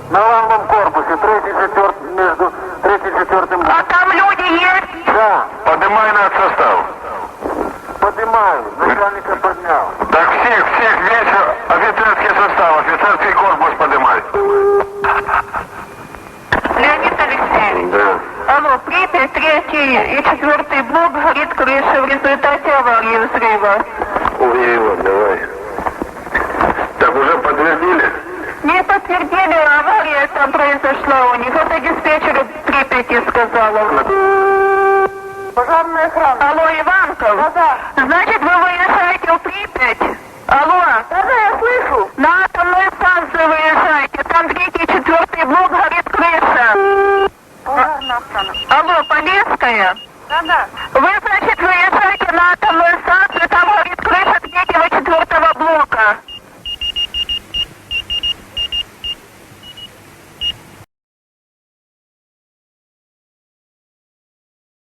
На главном корпусе, третий, четвертый, между третьим и четвертым. А там люди есть? Да, Поднимай над состав. поднимаю, начальника поднял. Так всех весь офицерский состав, офицерский корпус поднимай. Леонид Алексеевич. Да. Алло, Припять, 3 и 4 блок, горит крыша в результате аварии взрыва. Ой, давай. Так уже подтвердили? Не подтвердили, авария там произошла у них. Это диспетчер Припяти сказала. Пожарная охрана. Алло, Иванков? Да. Значит, вы выезжаете в Припять? Алло? Да, я слышу. На атомную станцию выезжайте. Там 3 и 4 блок, горит крыша. Пожарная охрана. Алло, Полесская? Да. Вы